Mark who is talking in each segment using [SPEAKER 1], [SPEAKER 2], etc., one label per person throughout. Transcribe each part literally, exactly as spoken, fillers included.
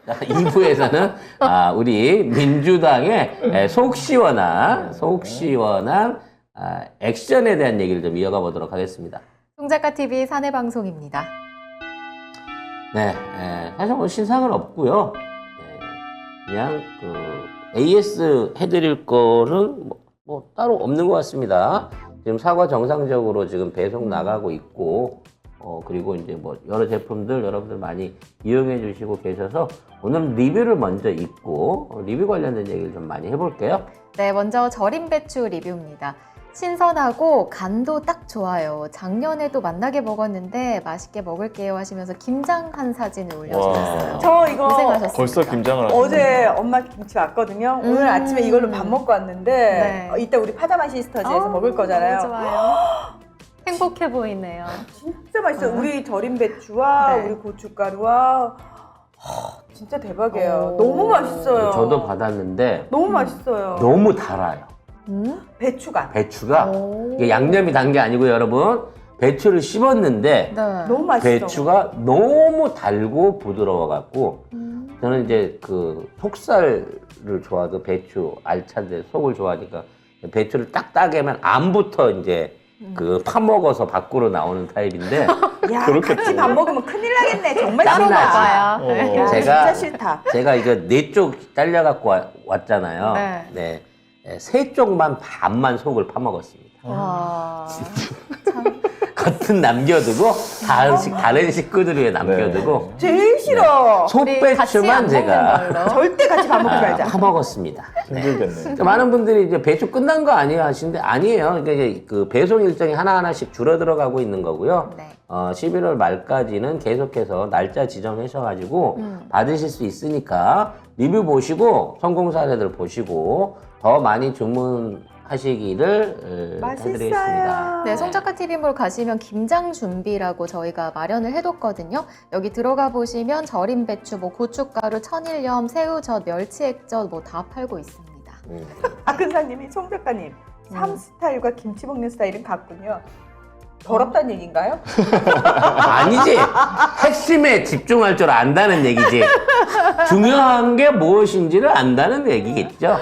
[SPEAKER 1] 이 부에서는 아, 우리 민주당의 에, 속 시원한, 속 시원한 아, 액션에 대한 얘기를 좀 이어가 보도록 하겠습니다.
[SPEAKER 2] 송작가티비 사내방송입니다.
[SPEAKER 1] 네, 에, 사실 뭐 신상은 없고요. 네, 그냥 그 에이에스 해드릴 거는 뭐, 뭐 따로 없는 것 같습니다. 지금 사과 정상적으로 지금 배송 나가고 있고, 어 그리고 이제 뭐 여러 제품들 여러분들 많이 이용해 주시고 계셔서 오늘은 리뷰를 먼저 읽고 어, 리뷰 관련된 얘기를 좀 많이 해볼게요.
[SPEAKER 2] 네, 먼저 절임 배추 리뷰입니다. 신선하고 간도 딱 좋아요. 작년에도 맛나게 먹었는데 맛있게 먹을게요 하시면서 김장한 사진을 올려주셨어요.
[SPEAKER 3] 저 이거
[SPEAKER 2] 고생하셨습니다.
[SPEAKER 4] 벌써 김장을 하시네.
[SPEAKER 3] 어제 엄마 김치 왔거든요.
[SPEAKER 2] 음.
[SPEAKER 3] 오늘 아침에 이걸로 밥 먹고 왔는데
[SPEAKER 2] 네.
[SPEAKER 3] 어, 이따 우리 파자마 시스터즈에서
[SPEAKER 2] 어,
[SPEAKER 3] 먹을 거잖아요.
[SPEAKER 2] 너무 좋아요. 행복해 보이네요.
[SPEAKER 3] 진짜 맛있어요. 우리 절임 배추와
[SPEAKER 2] 네.
[SPEAKER 3] 우리 고춧가루와 하, 진짜 대박이에요.
[SPEAKER 2] 오.
[SPEAKER 3] 너무 맛있어요.
[SPEAKER 1] 저도 받았는데
[SPEAKER 3] 너무 맛있어요.
[SPEAKER 1] 너무 달아요.
[SPEAKER 2] 음?
[SPEAKER 3] 배추가
[SPEAKER 1] 배추가
[SPEAKER 2] 오.
[SPEAKER 1] 이게 양념이 단 게 아니고요, 여러분. 배추를 씹었는데
[SPEAKER 2] 네.
[SPEAKER 3] 너무 맛있어.
[SPEAKER 1] 배추가 너무 달고 부드러워 갖고
[SPEAKER 2] 음.
[SPEAKER 1] 저는 이제 그 속살을 좋아하고 배추 알찬데 속을 좋아하니까 배추를 딱 따게면 안부터 이제 그 파먹어서 밖으로 나오는 타입인데
[SPEAKER 3] 야,
[SPEAKER 4] 그렇겠죠.
[SPEAKER 3] 같이 밥 먹으면 큰일 나겠네. 정말
[SPEAKER 1] 땀나지.
[SPEAKER 3] 싫다.
[SPEAKER 2] 봐요.
[SPEAKER 4] 어.
[SPEAKER 2] 네.
[SPEAKER 3] 야,
[SPEAKER 1] 제가-
[SPEAKER 3] 진짜 싫다.
[SPEAKER 1] 제가 이거 네 쪽 잘려 갖고 왔잖아요.
[SPEAKER 2] 네.
[SPEAKER 1] 네. 네, 세 쪽만 반만 속을 파먹었습니다.
[SPEAKER 2] 와. 참.
[SPEAKER 1] 겉은 남겨두고 다른 식 다른 식구들 위해 남겨두고
[SPEAKER 3] 제일 싫어.
[SPEAKER 2] 우리 같이
[SPEAKER 1] 속배추만
[SPEAKER 2] 안
[SPEAKER 1] 제가
[SPEAKER 2] 먹는 걸로.
[SPEAKER 3] 절대 같이 밥 먹지
[SPEAKER 1] 아,
[SPEAKER 3] 말자.
[SPEAKER 1] 파먹었습니다. 네.
[SPEAKER 4] 힘들겠네.
[SPEAKER 1] 그러니까 많은 분들이 이제 배추 끝난 거 아니에요 하시는데 아니에요. 그러니까 이제 그 배송 일정이 하나하나씩 줄어들어가고 있는 거고요.
[SPEAKER 2] 네.
[SPEAKER 1] 어, 십일월 말까지는 계속해서 날짜 지정하셔가지고
[SPEAKER 2] 음.
[SPEAKER 1] 받으실 수 있으니까 리뷰 보시고 성공 사례들 보시고 더 많이 주문하시기를 어, 해드리겠습니다.
[SPEAKER 3] 맛있어요.
[SPEAKER 2] 네, 송작가 티비몰 가시면 김장 준비라고 저희가 마련을 해뒀거든요. 여기 들어가 보시면 절임 배추, 뭐 고춧가루, 천일염, 새우젓, 멸치액젓 뭐 다 팔고 있습니다.
[SPEAKER 1] 음.
[SPEAKER 3] 박근사님이 송 작가님
[SPEAKER 2] 음.
[SPEAKER 3] 삶 스타일과 김치 먹는 스타일은 같군요. 더럽다는 얘기인가요?
[SPEAKER 1] 아니지. 핵심에 집중할 줄 안다는 얘기지. 중요한 게 무엇인지를 안다는 얘기겠죠.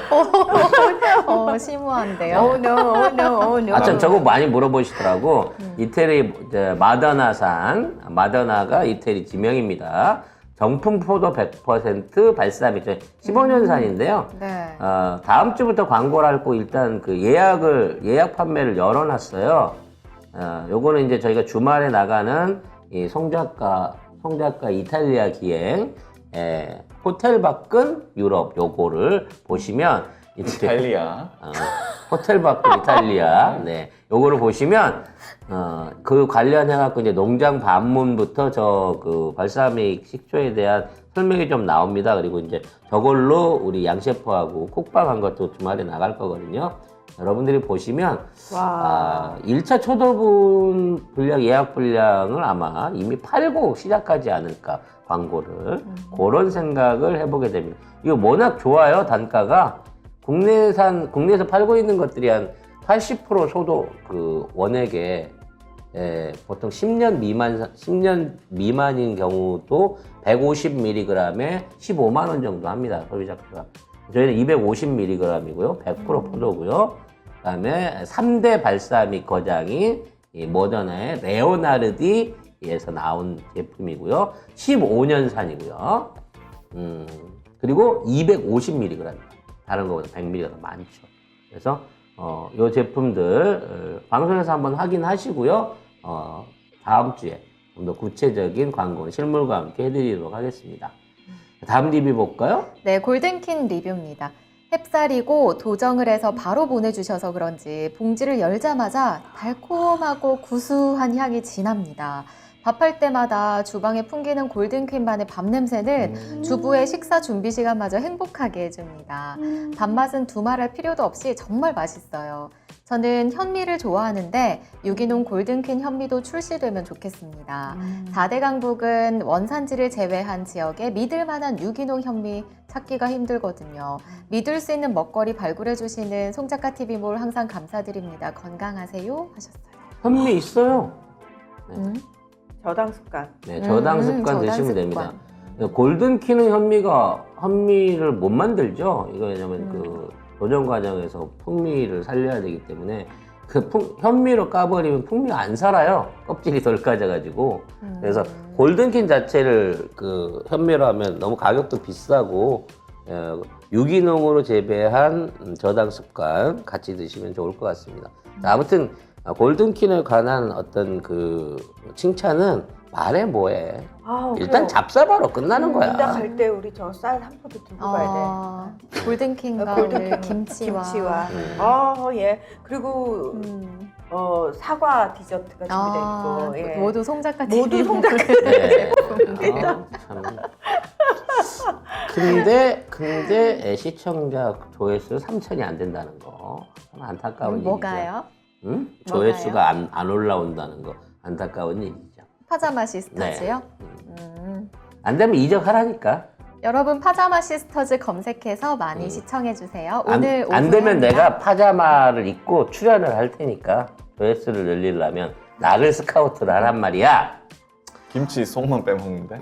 [SPEAKER 2] 어, 심오한데요.
[SPEAKER 3] Oh no, oh no, oh no.
[SPEAKER 1] 아참 저거 많이 물어보시더라고. 이태리 이제 마더나산, 마더나가 이태리 지명입니다. 정품 포도 백 퍼센트 발사믹, 십오 년산인데요.
[SPEAKER 2] 네.
[SPEAKER 1] 어, 다음 주부터 광고를 하고 일단 그 예약을 예약 판매를 열어놨어요. 어, 요거는 이제 저희가 주말에 나가는 이 송작가 송작가 이탈리아 기행 에, 호텔 밖은 유럽 요거를 보시면 이제
[SPEAKER 4] 이탈리아.
[SPEAKER 1] 어, 호텔 밖은 이탈리아 네 요거를 보시면 어, 그 관련해 갖고 이제 농장 반문부터 저 그 발사믹 식초에 대한 설명이 좀 나옵니다. 그리고 이제 저걸로 우리 양 셰프하고 콕방한 것도 주말에 나갈 거거든요. 여러분들이 보시면
[SPEAKER 3] 와.
[SPEAKER 1] 아, 일 차 초도분 분량 예약 분량을 아마 이미 팔고 시작하지 않을까 광고를
[SPEAKER 2] 음.
[SPEAKER 1] 그런 생각을 해보게 됩니다. 이거 워낙 좋아요 단가가 국내산 국내에서 팔고 있는 것들이 한 팔십 퍼센트 소도 그 원액에 예, 보통 십 년 미만 십 년 미만인 경우도 백오십 밀리그램에 십오만 원 정도 합니다 소비자가. 저희는 이백오십 밀리그램이고요 백 퍼센트 포도고요. 그다음에 삼 대 발사믹 거장인 이 모더나의 레오나르디에서 나온 제품이고요. 십오 년산이고요. 음, 그리고 이백오십 밀리그램. 다른 거보다 백 밀리그램 더 많죠. 그래서 어, 이 제품들 어, 방송에서 한번 확인하시고요. 어, 다음 주에 좀 더 구체적인 광고는 실물과 함께 해드리도록 하겠습니다. 다음 리뷰 볼까요?
[SPEAKER 2] 네, 골든킨 리뷰입니다. 햅쌀이고 도정을 해서 바로 보내주셔서 그런지 봉지를 열자마자 달콤하고 구수한 향이 진합니다. 밥할 때마다 주방에 풍기는 골든퀸만의 밥 냄새는
[SPEAKER 4] 음.
[SPEAKER 2] 주부의 식사 준비 시간마저 행복하게 해줍니다. 밥맛은 두말할 필요도 없이 정말 맛있어요. 저는 현미를 좋아하는데 유기농 골든퀸 현미도 출시되면 좋겠습니다. 사 대 강북은 원산지를 제외한 지역에 믿을 만한 유기농 현미 찾기가 힘들거든요. 믿을 수 있는 먹거리 발굴해주시는 송작가 티비몰 항상 감사드립니다. 건강하세요 하셨어요.
[SPEAKER 1] 현미 있어요.
[SPEAKER 2] 음?
[SPEAKER 3] 저당 습관.
[SPEAKER 1] 네, 저당
[SPEAKER 2] 음,
[SPEAKER 1] 습관
[SPEAKER 2] 저당
[SPEAKER 1] 드시면
[SPEAKER 2] 습관.
[SPEAKER 1] 됩니다. 골든키는 현미가 현미를 못 만들죠. 이거 왜냐면
[SPEAKER 2] 음.
[SPEAKER 1] 그 도전 과정에서 풍미를 살려야 되기 때문에 그 풍, 현미로 까버리면 풍미가 안 살아요. 껍질이 덜 까져가지고.
[SPEAKER 2] 음.
[SPEAKER 1] 그래서 골든킨 자체를 그 현미로 하면 너무 가격도 비싸고 어, 유기농으로 재배한 저당 습관 같이 드시면 좋을 것 같습니다. 자, 아무튼 골든킨에 관한 어떤 그 칭찬은 말해 뭐해.
[SPEAKER 3] 아,
[SPEAKER 1] 일단 잡사바로 끝나는 거야.
[SPEAKER 3] 이따 갈 때 우리 저 쌀 한 포도 들고 가야 돼.
[SPEAKER 2] 어, 골든킹과
[SPEAKER 3] 골든킹
[SPEAKER 2] 오늘 김치와.
[SPEAKER 3] 김치와.
[SPEAKER 1] 음.
[SPEAKER 3] 아, 예. 그리고
[SPEAKER 2] 음.
[SPEAKER 3] 어, 사과 디저트가 준비되어
[SPEAKER 2] 아,
[SPEAKER 3] 있고. 예.
[SPEAKER 2] 모두 송작가
[SPEAKER 3] 모두 송작가
[SPEAKER 1] 네. 아, 참. 근데 근데 시청자 조회수 삼천이 안 된다는 거 참 안타까운 일이죠.
[SPEAKER 2] 뭐가요?
[SPEAKER 1] 응?
[SPEAKER 2] 뭐가요?
[SPEAKER 1] 조회수가 안, 안 올라온다는 거 안타까운 일이죠.
[SPEAKER 2] 파자마 시스터즈요?
[SPEAKER 1] 음.
[SPEAKER 2] 음.
[SPEAKER 1] 안 되면 이적하라니까.
[SPEAKER 2] 여러분 파자마 시스터즈 검색해서 많이
[SPEAKER 1] 음.
[SPEAKER 2] 시청해 주세요.
[SPEAKER 1] 안,
[SPEAKER 2] 오늘
[SPEAKER 1] 안
[SPEAKER 2] 오후에
[SPEAKER 1] 되면
[SPEAKER 2] 합니다.
[SPEAKER 1] 내가 파자마를 입고 출연을 할 테니까 조회수를 늘리려면 나를 스카우트를 하란 말이야.
[SPEAKER 4] 김치 속만 빼먹는데?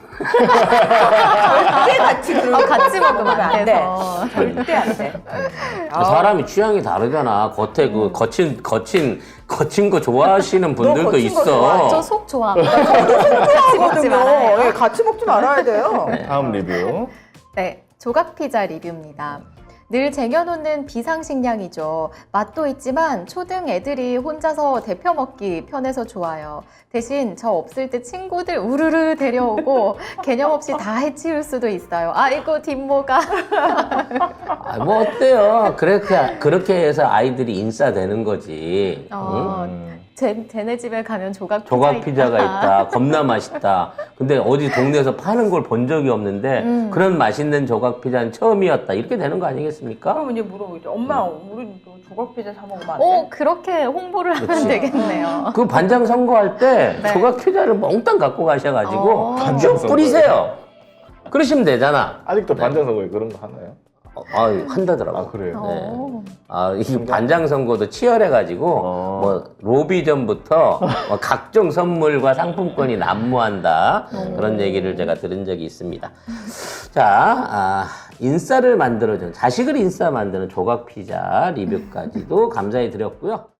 [SPEAKER 3] 절대 같이 그런
[SPEAKER 2] 어,
[SPEAKER 3] 거
[SPEAKER 2] 같이 먹으면 안
[SPEAKER 3] 돼.
[SPEAKER 2] 돼서.
[SPEAKER 3] 절대 안 돼. 아,
[SPEAKER 1] 사람이 취향이 다르잖아. 겉에 그 거친 거친 거친 거 좋아하시는 분들도
[SPEAKER 3] 음. 거친 거 좋아해.
[SPEAKER 1] 있어.
[SPEAKER 2] 저 속 좋아합니다. 같이 먹지 말아요.
[SPEAKER 3] 예, 같이 먹지 말아야 돼요.
[SPEAKER 4] 다음 리뷰.
[SPEAKER 2] 네, 조각 피자 리뷰입니다. 늘 쟁여놓는 비상식량이죠. 맛도 있지만 초등 애들이 혼자서 데펴 먹기 편해서 좋아요. 대신 저 없을 때 친구들 우르르 데려오고 개념 없이 다 해치울 수도 있어요. 아이고 뒷모가.
[SPEAKER 1] 아, 뭐 어때요? 그렇게 그렇게 해서 아이들이 인싸되는 거지. 응?
[SPEAKER 2] 어,
[SPEAKER 4] 음.
[SPEAKER 2] 제, 쟤네 집에 가면 조각 피자
[SPEAKER 1] 조각 피자가 있다. 겁나 맛있다. 근데 어디 동네에서 파는 걸 본 적이 없는데
[SPEAKER 2] 음.
[SPEAKER 1] 그런 맛있는 조각 피자는 처음이었다. 이렇게 되는 거 아니겠습니까?
[SPEAKER 3] 그럼 이제 물어보죠. 엄마, 우리 또 조각 피자 사 먹으면 안 돼?
[SPEAKER 2] 오, 그렇게 홍보를 하면
[SPEAKER 1] 그치.
[SPEAKER 2] 되겠네요.
[SPEAKER 1] 그 반장 선거할 때
[SPEAKER 2] 네.
[SPEAKER 1] 조각 피자를 몽땅 갖고 가셔가지고
[SPEAKER 2] 어.
[SPEAKER 4] 반장
[SPEAKER 1] 쭉
[SPEAKER 4] 선거요?
[SPEAKER 1] 뿌리세요. 그러시면 되잖아.
[SPEAKER 4] 아직도 반장 선거에 그런 거 하나요?
[SPEAKER 1] 어, 아, 한다더라고.
[SPEAKER 4] 아 그래요?
[SPEAKER 2] 어.
[SPEAKER 1] 아, 이 반장 선거도 치열해가지고
[SPEAKER 4] 어.
[SPEAKER 1] 뭐 로비전부터 뭐 각종 선물과 상품권이 난무한다 그런 얘기를 제가 들은 적이 있습니다. 자, 아, 인싸를 만들어주는 자식을 인싸 만드는 조각 피자 리뷰까지도 감사히 드렸고요.